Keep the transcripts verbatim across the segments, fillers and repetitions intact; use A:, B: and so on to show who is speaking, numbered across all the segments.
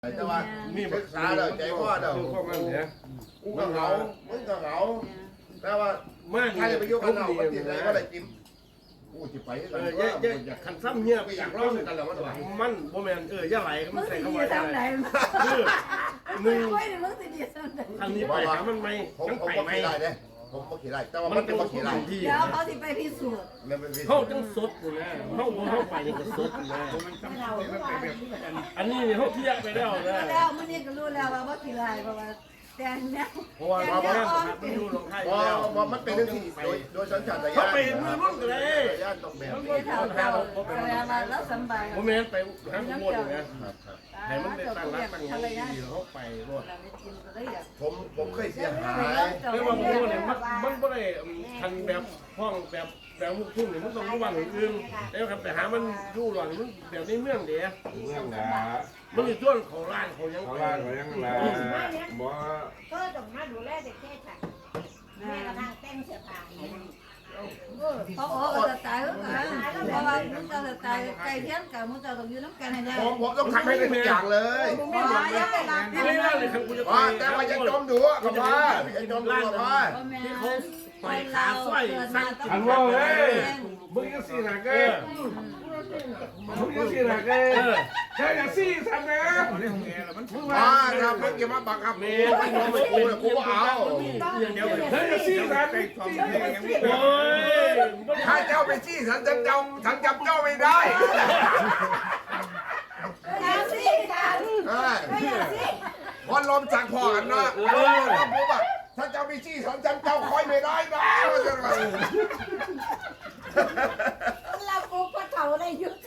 A: แต่ว่ามีศึกษาแล้วใจพ่อเด้อพวกมันเนี่ยกูก็เหงามึงก็เหงาแต่ว่าใครไปยุ่งกันเราปฏิเสธก็ได้กินกูจะไปกันว่าอยากคันซ้ำเหี้ยไปอยากร้องกันแล้วมันว่ามันโมเมนต์เออย่าไหลมันใส่เข้าไปได้คือหนึ่งทางนี้ไปหามันไม่ทั้งไปไม่ได้เด้ผมก็ขี่ได้แต่ว่ามันเป็นขี่ได้
B: เดี๋ยวเขาสิไปพิสูจน์
A: เขาจังสดอยู่นะเขาเขาไปยังก็สดอยู่นะอันนี้เขาเที่ยงไปแล้วนะ
B: แล้วมื่อนี้ก็รู้แล้วว่าว่าขี่ไรเพราะว่าแต่เนี่ย
A: เพราะว่าเพราะว่ามันดูลงไทยแล้วเพราะมันเป็นเรื่องที่โดยโดยสัญชาตญาณเขาไปมือรุ่นเลยญาติต้องแบบ
B: นี้เขาเขาแสดงว่าแล้วสบาย
A: ผมเองไปทางบนนะให้มันได้ตั้งรักตั้งดีเขาไปรถผมผมเคยเสียหายไม่ว่าผมเนี่ยมันมันไม่ได้ทันแบบห้องแบบแบบมุกทุ่งเนี่ยมันต้องรู้วันอื่นแล้วครับแต่หามันยู่หล่อนมันแบบนี้เมืองเดีย
C: เมืองนะ
A: มันอยู่ช่วงของร้านเขายัง
C: เขาร้านเขายังละบ่
D: ก็ต้องมาดูแลเด็กแค่ฉันแม่กระทั่งเต้นเสียผ้า
B: เขาโอ้จะตายแล้วกันเพราะว่ามึงจะตายไก่เทียนกับมึงจะต้องยืนน้ำกันให้ได้
A: ผมผมต้องทำให้ได้ทุกอย่างเลย
B: ไม่ไหวยังไม่รับ
A: ที่ไม่ได้เลยครับคุณจะไปแต่ว่าจะจมดูกับพ่อจะจมดูกับพ่อที่เขาไปขาสร้อยสั่ง
C: อันว่าเฮ้ยมึงยังสี่หนักเอ้มึงยังสี่หนักเอ้ใช่ยังสี่ทำไง
A: มาทำเพื่อเก็บมาบังคับเมย์ไม่กูกูเอา
C: เฮ้ยสี่หนัก
A: โอ้ยถ้าเจ้าไปจี้ฉันจำเจ้าฉันจำเจ้าไม่ได้วันลมจากพ่อกันนะแล้วผมอ่ะถ้าเจ้าไปจี้ฉันจำเจ้าคอยไม่ได้นะว่าจะไง
D: เราปุ๊บก็เท่าได้ยุด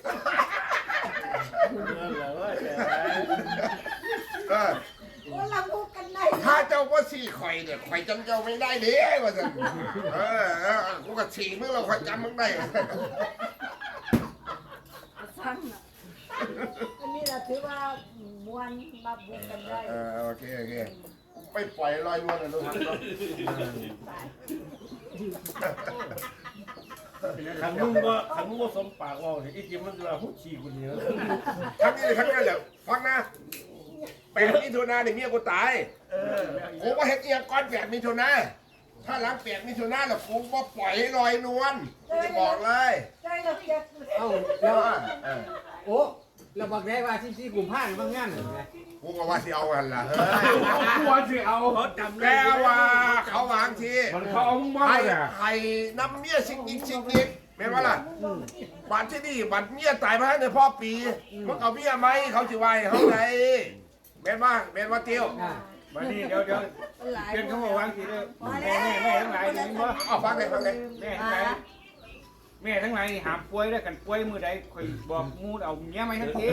D: เราพูดกันได้
A: ถ้าเจ้าก็สี่ข่อยเนี่ยข่อยจำเจ้าไม่ได้เด้ว่าจะเออเออกูก็สี่มึงเราข่อยจำมึงได้
D: อันนี้เราถือว่ามวนมาบุกกันได้
A: เออโอเคโอเคไม่ปล่อยลอยนวลนะลูกขันมึงว่าขันมึงว่าสมปากว่าไอ้จิมมันจะหุ่นฉี่คนนี้ทั้งนี้เลยทั้งนั้นแหละฟังนะแปดมิถุนาเนี่ยเมียกูตายกูว่าเฮ็ดเอียก้อนแปดมิถุนาถ้าหลังแปดมิถุนาแล้วกูว่าปล่อยให้ลอยนวลจะบอกเลย
E: เอ้าแล้วโอ้เราบอกได้ว่าที่ที่กลุ่มผ้าบางงานเหรอไง
A: กูก็ว่าสิเอากันล่ะ
C: กูว่าสิเอา
A: เขาจำได้ว่าเขาวางที
C: มันเขาเอาบ้า
A: เนี่ยไข่น้ำเมียชิงอีกชิงอีกเป็นว่าล่ะบัตรที่นี่บัตรเมียตายมาในพ่อปีมันเอาเมียไหมเขาจะไหวเขาไงเป็นว่าเป็นว่าเตี้ยว
C: มาดิเดี๋ยวเดี๋ยวเป็นเขาบอกวางทีเลยแม่แม่แม่ทั้งหลายนี่มั้ง
A: เอาฟังเลยฟังเลย
C: แม่ทั้งหลายแม่ทั้งหลายหามป่วยได้กันป่วยมือใดคอยบอกมูดเอาเมียไม่ทั้งที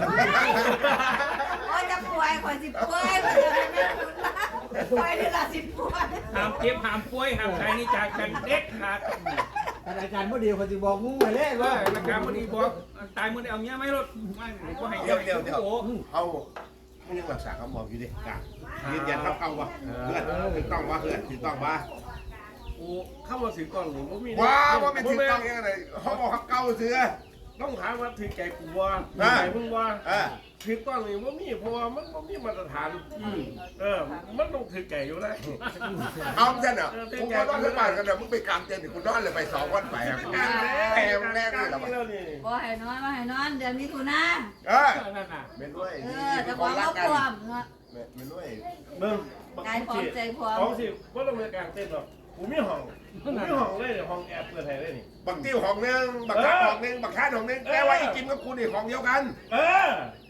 B: โอ้ยจะป่วยคอยสิป่วยคอยจะป่วยนี่ละสิป่วย
C: หามเจ็บหามป่วยหามใครนี่จากกันเด็ดขาด
E: อาจารย์พ่อดีคนที่บอกงูไปเลยว่า
C: อาจารย์พ่อดีบอกตายมือได้เอาเมียไม่รถไม่ก็ให้
A: เดี๋ยวเดี๋ยวเดี๋ยวเอาไม่ยังรักษาคำบอกอยู่ดิกะยืนยันครับเอาวะเพื่อนถูกต้องวะเพื่อนถูกต้องวะโอ้เข้ามาถึงกล้องหรือว่ามีว้าว่าไม่ถึงกล้องยังไงเขาบอกเขาเก่าเสือต้องถามว่าถึงใจกูว่าใจมึงว่าถึงกล้องหรือว่ามีเพราะว่ามันมันมีมาตรฐานเออมันต้องถึงใจอยู่ได้เอาเช่นอ่ะกูก็ต้องขึ้นบ้านกันเดี๋ยวมึงไปกางเต็นท์กูนอนเลยไปสองวันไปแพงแรงเลยหรอ
B: บ่ให้นอนบ่ให้นอนเดี๋ยวนี้กูนะ
A: เออเป็นด้วย
B: เออจะบอกว่าความเนาะ
A: เป็นด้วย
B: เบิ่งกายพร้อมใจพร้อม
A: ของสิว่าต้องมีกางเต็นท์หรอกกูมีห้องกูมีห้องเลยห้องแอบเปิดให้ได้นี่บักติ้วห้องนึงบักคาดห้องนึงบักคาดห้องนึงแต่ว่าไอ้กิมกับกูนี่ห้องเดียวกันเออ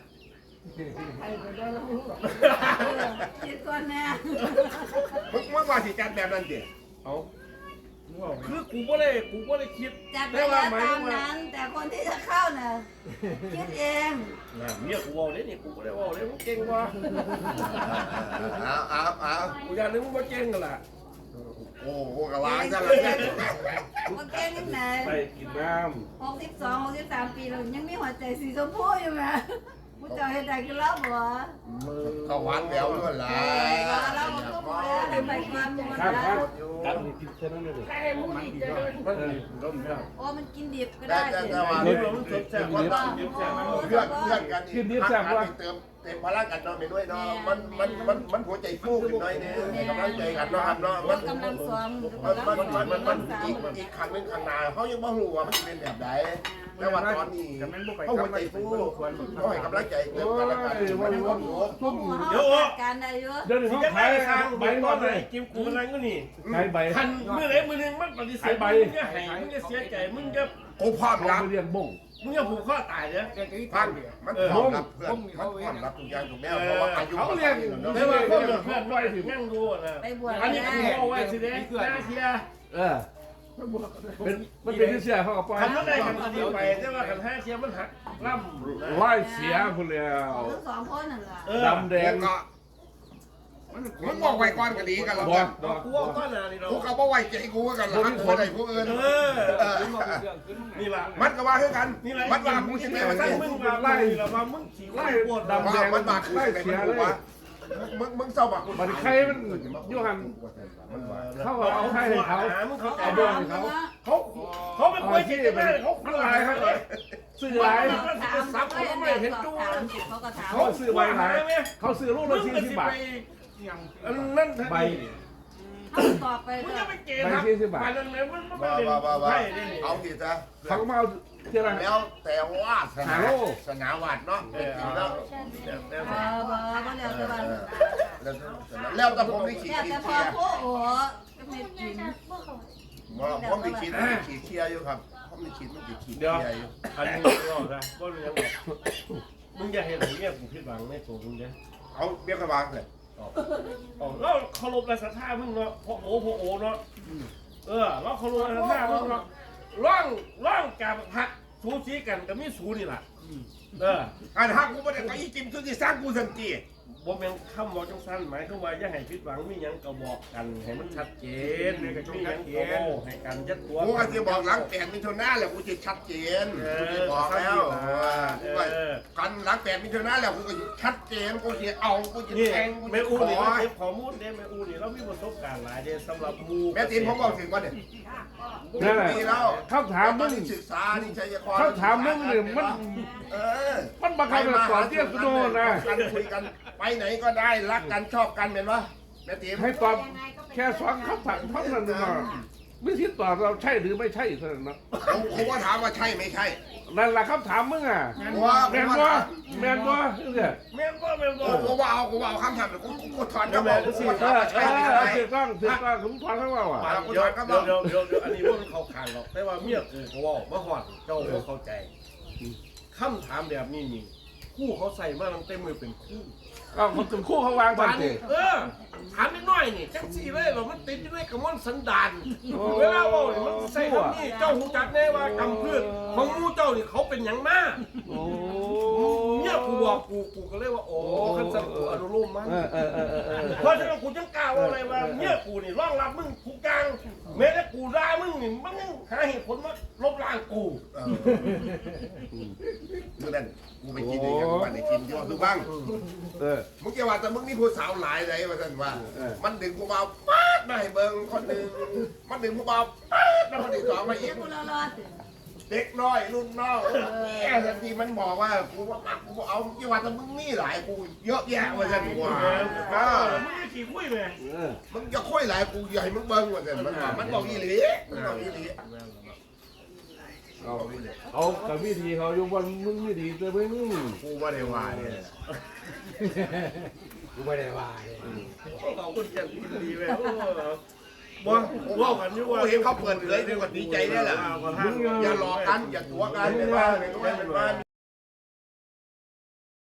B: คิดก่อนนะ
A: มึงมึงว่าสิจัดแบบนั้นดิเอาคือกูบ่ได้กูบ่ได้คิด
B: จัดไปแล้วตามนั้นแต่คนที่จะเข้าน่ะคิดเอง
A: น่ะเมียกูว่าเลยนี่กูบ่ได้ว่าเลยมึงเก่งว่ะเอาเอาเอากูอยากนึกมึงว่าเก่งกันล่ะโอ้โหกะวางซะแล้ว
B: มึงเก่งยังไง
C: ไปกินน้
B: ำหกสิบสองหกสิบสามปีเรายังมีหัวใจสีชมพูอยู่ไหมมึงจะเห็นได้กันแล้วบ่
A: เขาหวานแหววด้วยล่ะ
B: แล้วมันก็บ่ได้ไปความมันนะ
C: การกินเส้นนั่นเลยมันดีก็มันร่มแล้ว
B: โอ้มันกินดิบก็ได้
A: แต่แต่ว่าเรื่องมันสดแซ่บกว่าเพื่อนเพื่อนกัน
C: กินดิบแซ่บกว่า
A: เติมเต็มพลังกันเนาะไปด้วยเนาะมันมันมันมันหัวใจฟูขึ้นหน่อยนึงให้กำลังใจกันเนาะครับเนาะ
B: มั
A: มัน น
B: กำลังซ้อม
A: มันมันมันมันมันอีกอีกครั้งนึงข้างหน้าเขายังไม่รู้ว่ามันจะเป็นแบบไหนแต่ว่าตอนนี้เขาหัวใจฟูเขาให้กำลังใจเติมกันแล้วกันวันนี้วันหัว
B: พวกหมูเขาการได้เยอะ
C: เดี๋ยวนี้
F: สิ
C: เขา
F: จะ
C: ขาย
F: ได้ทาง
C: ใบ
F: ใบ
C: น
F: ก้
C: อ
F: อน น
C: เล
F: เลย ยกิมกูอะไรก็นี่
C: ขายใบ
F: คันมือไหนมือหนึงมันปฏิเสธมึงจะให้มึงจะเสียใจมึงจะ
A: กูพร้อม
C: เขา
A: รับ
C: ไปเรียนบ่ง
F: มึงจะผูกข้อตายเนี่ย
A: พันมันพร้อมรับเพื่อนมันพร้อมรับทุกอย่างทุกแนวเพราะว่าอายุ
C: เขาเรียน
F: แต่ว่าพวกเพื่อนไว้ถึงนั่งดูนะ
B: ไปบวช
F: อันนี้
B: ได้
F: กูเอาไว้สิเด้หน้าเชียร์
C: เออเป็นมันเป็นที่เสียเขาเอาไป
F: คันนั้นได้คันดีไปแต่ว่าคันห้าเชียร์มันหักล่ำ
C: ไล่เสียคุณแล้ว
B: ทั้งสองคนนั่นแหละ
F: เออ
C: ดำแดง
A: ก็มันบอกไว้ก่อนก็ดีกันแล้ว
C: บอ
A: กั
C: ก
A: น
C: บอก
F: กูเอาก้อนหนานี่เรา
A: กูก็บอกไว้ใจกูกันละคนใดผู้อื่น
F: เออนี่ล่ะ
A: มันก็ว่าคือกัน
F: นี่แหละ
A: มันว่ากูสิ
F: ไม่
A: แม่
F: มา
A: มา
F: สั่
A: สั่
F: ง
A: ง
F: มึ
A: มึ
F: ง
A: ง
F: มาไล่เรามามึงขี่ไล่ปวด
C: ดำ
A: ว่า
C: แดง
A: มันมาคือ
C: ไล่
A: อะไร
C: เสีย
A: ไม่
C: เล
A: รู้
C: ย
A: ว่ามึงมึงเศร้าบัก
C: มันใครมันยูหันเขาเอาให้เขา
F: มึงเขา
C: เอา
F: เอา
C: บ่
F: บ่
C: ว
F: ว
C: ง
F: ง
C: เขา
F: เขาเขาเป็นคนที่ไม่เขา
C: มัน
F: ลา
C: ลาย ย
F: เขา
C: เขา
F: เลย
C: ซื้อ
B: เขา
C: ลาย
B: ถามซับเขาไม่เห็นตัวเขาก็ถาม
C: เขาซื้อใบลายเขาซื้อลูก
F: มึ
C: ละ
F: ง
C: สี่
F: ก็
C: สิบ
F: สิ
C: บา
F: ไป
C: ท
F: นั่น
C: ใบ
B: เขาตอบไป
F: มึง
B: เล
F: จะ
B: ย
F: ไปเกณฑ์ครับไปนั่นเลยมันไม่
A: ว่า
F: ได้
A: ว่าว่าว่า
F: ใช่ดิ
A: เอาทีซะ
C: เขาก็มาเอาเท่าไหร่
A: แล้วแต่ว่าสนา
C: หาโล
A: สนาวัดเนาะเป็นจริงแล้ว
B: เออบ่บ่เดี๋ยวจะว่า
A: แล้วแต่ผมได้ขีด
B: แต่
A: ขี
B: แต่
A: ด
B: พ
A: เชี
B: อย
A: ร์
B: โอ้โหไม่กิน
A: ผมได้ขีดได้ขีดเชียร์อยู่ครับผมได้ขีดมันได้ขีด
F: เดี๋ยว
A: เชียร์อยู่
F: อันนี้ก็นะก็เรื่องมึงอย่าเห็นอย่างเงี้ยกูผิดหวังในตัวมึงเนี่ย
A: เอาเบี้ยกระบางเลย
F: เราเคารพและศรัทธามึงเนาะพ่อโอ้พ่อโอ้เนาะเออเราเคารพและศรัทธามึงเนาะร่องร่องกับพักสูสีกันกับมีสูนี่แหละเออ
A: อันฮักกูไม่ได้ไปอีจิมคือที่สร้างกูสันติ
F: บ่แม่นคำบอกจังซั่นหมายถึงว่าอย่าให้ผิดหวังมีหยังก็บอกกันให้มันชัดเจนมีหยังก็เว้าให้กันยัดตัว
A: กูก็จะบอกหลังแปดมิถุนาแล้วกูจะชัดเจนกูจะบอกแล้วว่ากันหลังแปดมิถุนาแล้วกูก็ชัดเจนกูจะเอากูจะ
F: นี่
A: แทงกู
F: แม่
A: จะ
F: อู
A: ข
F: นี่
A: อ
F: เราเก็บข้อมูลเด้แม่อูนี่เรามีประสบการณ์หลายเด้สำหรับหมู่
A: แม่ตีนผมบอกถึงว่าเนี่ย
C: นั่นแหละ
A: ปีแล้ว
C: เขาถามมึง
A: ศึกษานี่ชัยคร
C: เขาถามมึงเนี่ยมัน
A: เออ
C: มันบังคับแบบสอนเตี้ยกูโดนนะ
A: กันคุยกันไปไหนก็ได้รักกันชอบกันเป็นวะแม่ตีน
C: ให้ตอบแค่สองคำถามเท่านั้นเองไม่คิดตอบเราใช่หรือไม่ใช่เท่านั้นนะ
A: ผมผมว่าถามว่าใช่ไม่ใช่
C: นั่นแหละคำถามมึงอ่ะ
A: ว่า
C: แมนบ่แมนบ่เนี่ย
F: แม่นบ่แม่นบ่
A: กูว่าเอากูว่าเอาคำถามแต่กูกูถอน
C: เอ
A: ก็บอก
C: อ
A: กู
C: เอ
A: ว่าถาม
C: อ
A: ว่าใช่ไม่
C: เอ
A: ใช่
C: อถูกต้องถูกต้องผมถอนข้างว่าอ่ะ
F: เดี๋ยวเดี๋ยวเดี๋ยวเดี๋ยวเดี๋ยวอันนี้ว่ามันเข้าข้างหรอกแต่ว่าเมียกูก็เว้าบ่ฮอดเจ้าบ่เข้าใจคำถามแบบนี้นี่คู่เขาใส่มาตั้งแต่มือเป็นคู่
C: ก็มันถึงคู่เขาวางบันเต
F: เออถามนิดหน่อยนี่จังสี่เลยเรามันติดอยู่ในกระมวลสันดานเวลาเว่าเนี่ยมันใส่คำนี้เจ้าหูจักแน่ว่ากำพืชของหมูเจ้านี่เขาเป็นอย่างมาก
C: โอ้
F: เนี่ยกูบอกกูกูก็เลยว่าโอ้ขันสันกูอนุโลมมัน
C: เออเออเออเออ
F: เพราะฉะนั้นกูจังกล่าวว่าอะไรว่าเนี่ยกูนี่ร่องรับมึงทุกอย่างแม้แต่กูด่ามึงนี่มันยังหาเหตุผลมาลบล้างกู
A: เออคือนั่นกูไปกินอย่างวันไหนกินยอดดูบ้าง
C: เออ
A: มึงจะว่าแต่มึงนี่ผู้สาวหลายเลยว่าท่านว่า
C: เออ
A: มันดึงผู้บ่าวป๊าดมาให้เบิ่งคนหนึ่งมันดึงผู้บ่าวป๊าดมาคนที่สองมาอีก
B: กูรอรอสิ
A: เด็กน้อยรุ่นน้องแย่ทันทีมันบอกว่ากูว่ามักกูเอาที่ว่าแต่มึงมีหลายกูเยอะแยะว่าท่านว่า
F: เอ
A: เอ
F: อ
A: อ
F: มึงจะขี่คุยไหม
C: เออ
A: มึงจะค่อยหลายกูใหญ่มึงเบิ่งว่าท่านมันว่ามันบอกอีหลีมันบอกอีหลี
C: เอาเอากับวิธีเขาอยู่วันมึงไม่ดีแต่มึง
A: กูว่าได้ว่าเนี่ย
E: กูไม่ได้ว่าเลย
F: ขอบคุณจังดีเว้ยบ่ว่ากันอยู่ว่า
A: กูเห็นเขาเปิดเผยด้วยก็ดีใจได้แหละ
F: มึง
A: อย่าหลอกกันอย่าตัวกันไม่ว่าไม่ว่าไม่ว่า